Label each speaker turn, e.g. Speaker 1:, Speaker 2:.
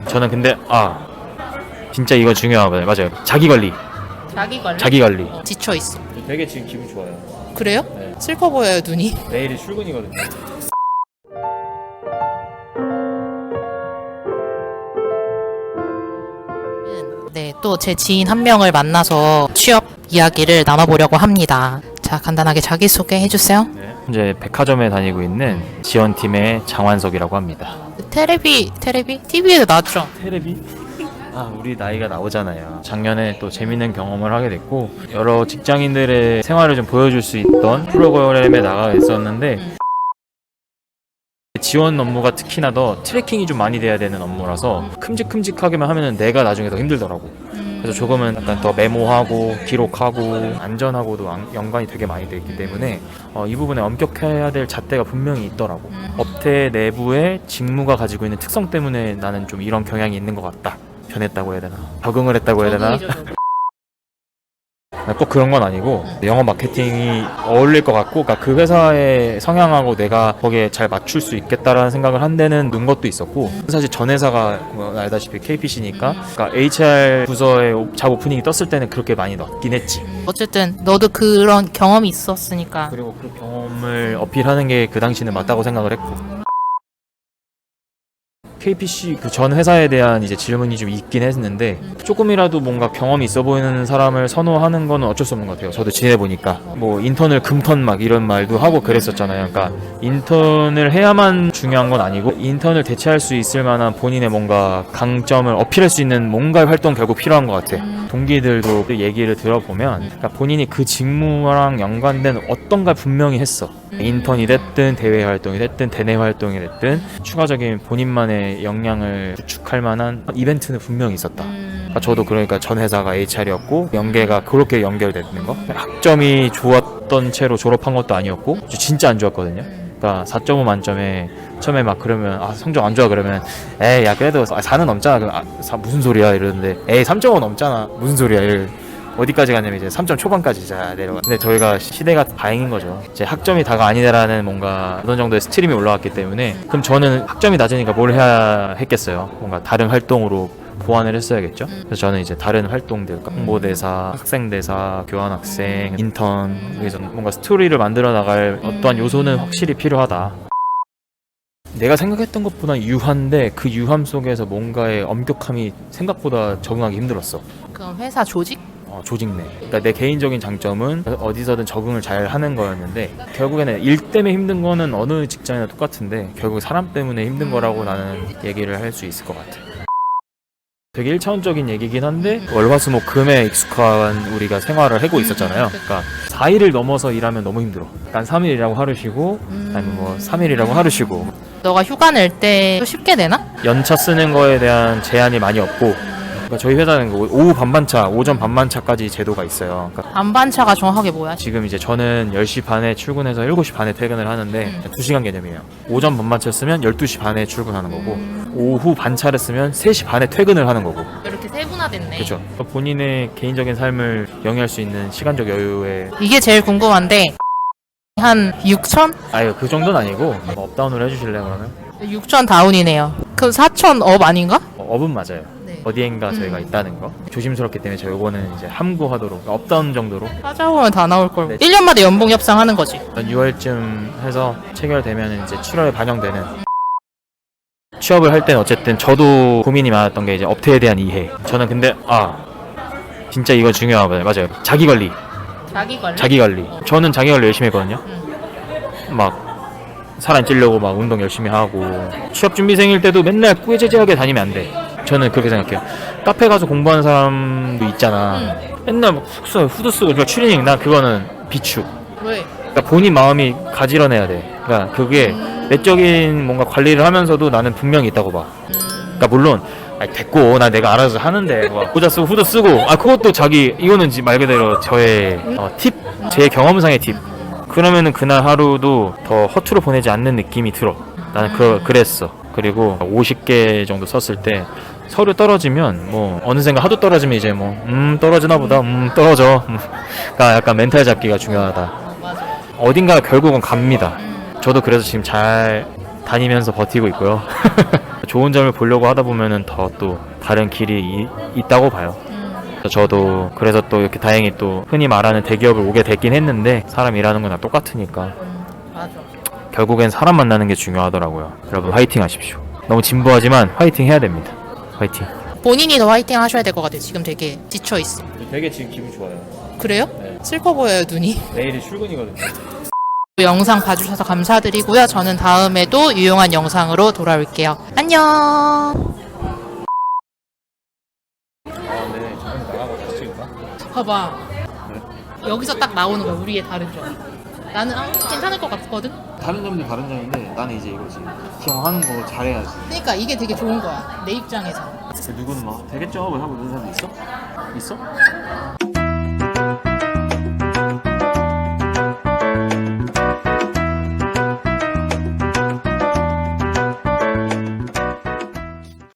Speaker 1: 저는 근데 진짜 이거 중요하거든요. 맞아요. 자기관리. 자기관리.
Speaker 2: 지쳐있어.
Speaker 1: 되게 지금 기분 좋아요.
Speaker 2: 그래요?
Speaker 1: 네.
Speaker 2: 슬퍼 보여요, 눈이.
Speaker 1: 내일이 출근이거든요.
Speaker 2: 네, 또 제 지인 한 명을 만나서 취업 이야기를 나눠보려고 합니다. 자, 간단하게 자기소개 해주세요.
Speaker 1: 네. 현재 백화점에 다니고 있는 지원팀의 장완석이라고 합니다.
Speaker 2: 테레비? TV에도 나왔죠?
Speaker 1: 테레비? 우리 나이가 나오잖아요. 작년에 또 재밌는 경험을 하게 됐고 여러 직장인들의 생활을 좀 보여줄 수 있던 프로그램에 나가 있었는데 지원 업무가 특히나 더 트래킹이 좀 많이 돼야 되는 업무라서 큼직큼직하게만 하면은 내가 나중에 더 힘들더라고. 그래서 조금은 약간 더 메모하고 기록하고 안전하고도 연관이 되게 많이 돼 있기 때문에 이 부분에 엄격해야 될 잣대가 분명히 있더라고. 업체 내부의 직무가 가지고 있는 특성 때문에 나는 좀 이런 경향이 있는 것 같다. 변했다고 해야 되나? 적응을 했다고 해야 되나? 꼭 그런 건 아니고 영업 마케팅이 어울릴 것 같고 그러니까 그 회사의 성향하고 내가 거기에 잘 맞출 수 있겠다라는 생각을 한 데는 는 것도 있었고 사실 전 회사가 뭐 알다시피 KPC니까 그러니까 HR 부서에 잡 오프닝이 떴을 때는 그렇게 많이 넣긴 했지.
Speaker 2: 어쨌든 너도 그런 경험이 있었으니까.
Speaker 1: 그리고 그 경험을 어필하는 게 그 당시는 맞다고 생각을 했고 KPC 그 전 회사에 대한 이제 질문이 좀 있긴 했는데 조금이라도 뭔가 경험이 있어 보이는 사람을 선호하는 거는 어쩔 수 없는 것 같아요. 저도 지내보니까 뭐 인턴을 금턴 막 이런 말도 하고 그랬었잖아요. 그러니까 인턴을 해야만 중요한 건 아니고 인턴을 대체할 수 있을 만한 본인의 뭔가 강점을 어필할 수 있는 뭔가의 활동 결국 필요한 것 같아. 동기들도 얘기를 들어보면 그러니까 본인이 그 직무랑 연관된 어떤가 분명히 했어. 인턴이 됐든 대외 활동이 됐든 대내 활동이 됐든 추가적인 본인만의 역량을 구축할 만한 이벤트는 분명히 있었다. 저도 그러니까 전 회사가 HR이었고 연계가 그렇게 연결되는 거. 학점이 좋았던 채로 졸업한 것도 아니었고 진짜 안 좋았거든요. 그러니까 4.5 만점에 처음에 막 그러면 성적 안 좋아 그러면 에이 야 그래도 4는 넘잖아. 그럼 무슨 소리야 이러는데 에이 3.5 넘잖아. 무슨 소리야. 어디까지 가냐면 이제 3점 초반까지 내려가. 근데 저희가 시대가 다행인 거죠. 이제 학점이 다가 아니다라는 뭔가 어느 정도의 스트림이 올라왔기 때문에 그럼 저는 학점이 낮으니까 뭘 해야 했겠어요. 뭔가 다른 활동으로 보완을 했어야겠죠. 그래서 저는 이제 다른 활동들, 홍보대사, 학생대사, 교환학생, 인턴 여기서 뭔가 스토리를 만들어 나갈 어떠한 요소는 확실히 필요하다. 내가 생각했던 것보다 유한데 그 유함 속에서 뭔가의 엄격함이 생각보다 적응하기 힘들었어.
Speaker 2: 그럼 회사 조직?
Speaker 1: 조직 내. 그러니까 내 개인적인 장점은 어디서든 적응을 잘 하는 거였는데 결국에는 일 때문에 힘든 거는 어느 직장이나 똑같은데 결국 사람 때문에 힘든 거라고 나는 얘기를 할 수 있을 것 같아. 되게 1차원적인 얘기긴 한데 월화수목금에 익숙한 우리가 생활을 하고 있었잖아요. 그러니까 4일을 넘어서 일하면 너무 힘들어. 그러니까 3일이라고 하루 쉬고 아니면 뭐 3일이라고 하루 쉬고.
Speaker 2: 너가 휴가 낼 때 쉽게 내나?
Speaker 1: 연차 쓰는 거에 대한 제한이 많이 없고 그러니까 저희 회사는 오후 반반차, 오전 반반차까지 제도가 있어요. 그러니까
Speaker 2: 반반차가 정확하게 뭐야?
Speaker 1: 지금 이제 저는 10시 반에 출근해서 7시 반에 퇴근을 하는데 2시간 개념이에요. 오전 반반차 쓰면 12시 반에 출근하는 거고 오후 반차를 쓰면 3시 반에 퇴근을 하는 거고.
Speaker 2: 이렇게 세분화됐네.
Speaker 1: 그렇죠. 본인의 개인적인 삶을 영위할 수 있는 시간적 여유에
Speaker 2: 이게 제일 궁금한데 한 6천?
Speaker 1: 그 정도는 아니고 업다운을 해주실래요 그러면?
Speaker 2: 6천 다운이네요. 그럼 4천 업 아닌가?
Speaker 1: 업은 맞아요.
Speaker 2: 네.
Speaker 1: 어디엔가 저희가 있다는 거 조심스럽기 때문에 저희 요거는 이제 함구하도록 업다운 정도로
Speaker 2: 찾아보면 다 나올 걸.
Speaker 1: 네.
Speaker 2: 1년마다 연봉 협상하는 거지.
Speaker 1: 6월쯤 해서 체결되면 이제 7월에 반영되는. 취업을 할 때는 어쨌든 저도 고민이 많았던 게 이제 업태에 대한 이해. 저는 근데 진짜 이거 중요하거든요. 맞아요. 자기관리. 자기관리. 저는 자기관리 열심히 했거든요. 막 살안 찌려고 막 운동 열심히 하고 취업 준비생일 때도 맨날 꾸에제제하게 다니면 안 돼. 저는 그렇게 생각해요. 카페 가서 공부하는 사람도 있잖아. 맨날 막 숙소에 후드 쓰고 그러니까 추리닝 나 그거는 비추.
Speaker 2: 왜?
Speaker 1: 그러니까 본인 마음이 가지런해야 돼. 그러니까 그게 내적인 뭔가 관리를 하면서도 나는 분명히 있다고 봐. 그러니까 물론 됐고 내가 알아서 하는데 모자 쓰고 후드 쓰고 그것도 이거는 말 그대로 저의 팁, 제 경험상의 팁. 그러면은 그날 하루도 더 허투루 보내지 않는 느낌이 들어. 나는 그랬어. 그리고 50개 정도 썼을 때 서류 떨어지면 뭐 어느샌가 하도 떨어지면 이제 떨어지나 보다 떨어져. 그러니까 약간 멘탈 잡기가 중요하다. 어딘가 결국은 갑니다. 저도 그래서 지금 잘 다니면서 버티고 있고요. 좋은 점을 보려고 하다 보면은 더 또 다른 길이 있다고 봐요. 저도 그래서 또 이렇게 다행히 또 흔히 말하는 대기업을 오게 됐긴 했는데 사람 일하는 건 다 똑같으니까
Speaker 2: 맞아.
Speaker 1: 결국엔 사람 만나는 게 중요하더라고요. 여러분 화이팅 하십시오. 너무 진부하지만 화이팅 해야 됩니다. 화이팅.
Speaker 2: 본인이 더 화이팅 하셔야 될 것 같아요. 지금 되게 지쳐있어.
Speaker 1: 되게 지금 기분 좋아요.
Speaker 2: 그래요?
Speaker 1: 네.
Speaker 2: 슬퍼 보여요, 눈이.
Speaker 1: 내일이 출근이거든요.
Speaker 2: 영상 봐주셔서 감사드리고요. 저는 다음에도 유용한 영상으로 돌아올게요. 안녕.
Speaker 1: 네, 저는 나가고 다시 찍을까?
Speaker 2: 봐봐. 여기서 딱 나오는 거야, 우리의 다른 점. 나는 괜찮을 것 같거든?
Speaker 1: 다른 점도 다른 점인데 나는 이제 이거지. 형 하는 거 잘해야지.
Speaker 2: 그러니까 이게 되게 좋은 거야, 내 입장에서.
Speaker 1: 누구는 막 되겠죠? 뭐 하고 있는 사람도 있어? 있어?